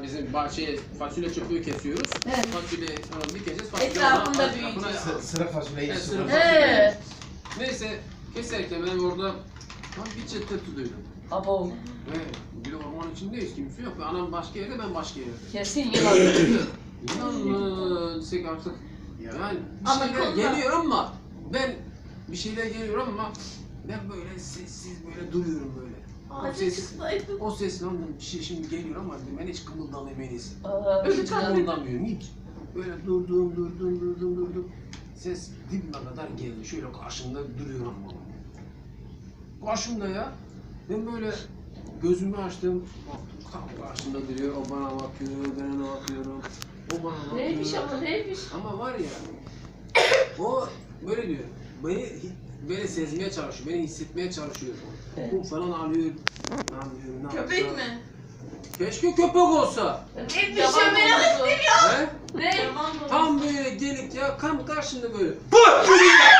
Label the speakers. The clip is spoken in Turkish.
Speaker 1: bizim fasulye çöpüğü kesiyoruz.
Speaker 2: Evet.
Speaker 1: Fasulye bir kesiyoruz. Fasulye
Speaker 2: Etrafında büyüyecek.
Speaker 3: Sıra fasulyeyi
Speaker 1: Evet,
Speaker 3: sıra.
Speaker 2: He.
Speaker 1: Neyse keserken ben orada bir çıtırtı duydum.
Speaker 2: Abo.
Speaker 1: Ve bir de ormanın içindeyiz, kimse yok. Anam başka yerde, ben başka yerde.
Speaker 2: Kesin yılan.
Speaker 1: İnanın desek artık. Yani bir
Speaker 2: Ama
Speaker 1: şeyler
Speaker 2: konuda-
Speaker 1: geliyor ama ben bir şeyler geliyor ama ben böyle sessiz böyle duruyorum böyle. O ses lan bir şey şimdi geliyor ama ben hiç kımıldamayız. Öyle hiç kımıldamıyorum hiç. Böyle durdum. Ses dibime kadar geldi. Şöyle karşımda duruyor ama. Karşımda ya. Ben böyle gözümü açtım. Baktım tam karşımda duruyor. O bana bakıyor, ben ona bakıyorum. O bana bakıyor.
Speaker 2: Neymiş ama neymiş?
Speaker 1: Ama var ya, o böyle diyor, beni böyle sezmeye çalışıyor, beni hissetmeye çalışıyor.
Speaker 2: Evet.
Speaker 1: Bu falan alıyor, lan diyorum, ne
Speaker 4: Köpek
Speaker 1: yapsa?
Speaker 4: mi?
Speaker 1: Keşke köpek olsa.
Speaker 4: Neymiş
Speaker 2: Yaban
Speaker 4: ya merak
Speaker 2: domuzu.
Speaker 4: ettim ya.
Speaker 1: He?
Speaker 2: Ne?
Speaker 4: Yaman domuzu.
Speaker 1: Tam böyle gelip ya, tam karşında böyle. Bak!